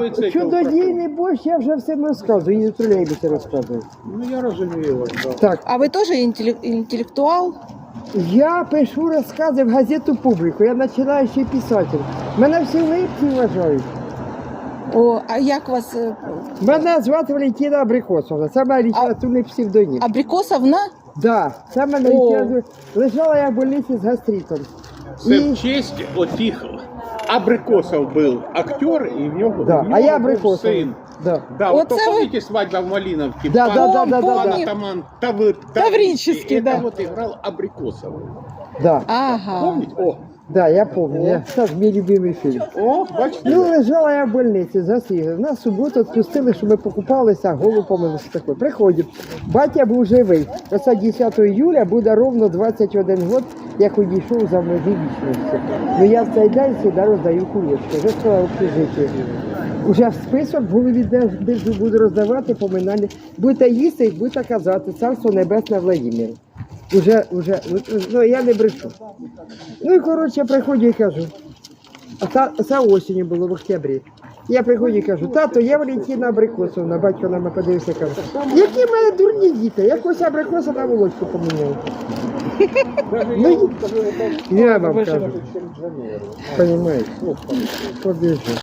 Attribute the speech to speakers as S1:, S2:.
S1: чудодійний борщ, я вже всім розказую, і в тролейбусі розказую.
S2: Ну я розумію вас, да.
S1: Так,
S3: А ви теж інтелектуал?
S1: я пишу розкази в газету «Публіку», я починаючий писатель. Мене всі липці вважають.
S3: О, а як вас
S1: Мене звати Валентина Абрикосовна, це моя літературний псевдонім.
S3: Абрикосовна?
S1: Да, це мене
S3: О.
S1: літературний. Лежала я в больниці з гастритом.
S2: Це
S1: І-
S2: в честь отих Абрикосов був актер, і в нього,
S1: Да,
S2: в нього
S1: а я
S2: був
S1: Абрикосов.
S2: син.
S1: Да.
S2: Да,
S3: Оце
S2: вот то
S3: ви-
S2: помните «Свадьба в Малиновке»?
S1: Да, да, да, да,
S3: Помню.
S1: да, да.
S2: Атаман
S3: Таврический,
S2: Это
S3: да.
S2: вот играл Абрикосов.
S1: Да,
S3: Ага.
S2: Помните? О,
S1: да, я пам'ятаю. Це ж мій любимий фільм.
S2: о, бачите?
S1: Ну, лежала я в больниці, засігла. Нас в суботу відпустили, що ми покупалися, голову помилися такою. Приходять. Батя був живий. Оце 10 июля буде ровно 21 год, як одійшов за межі вічності. Ну я в цей день завжди роздаю кулечки. Вже своє общежиття. Уже в список в голові держу, буду роздавати поминання. Будете їсти, будете казати, царство небесне Владимир. Ну я не брешу. Ну і коротше, приходжу і кажу. Це осінню було в октябрі. Я приходжу і кажу, тато, я Валентина Абрикосовна, батько на мене подивився і каже, які в мене дурні діти, якось абрикоса на волочку поміняв. Ну, я вам кажу, розумієте, побіжу.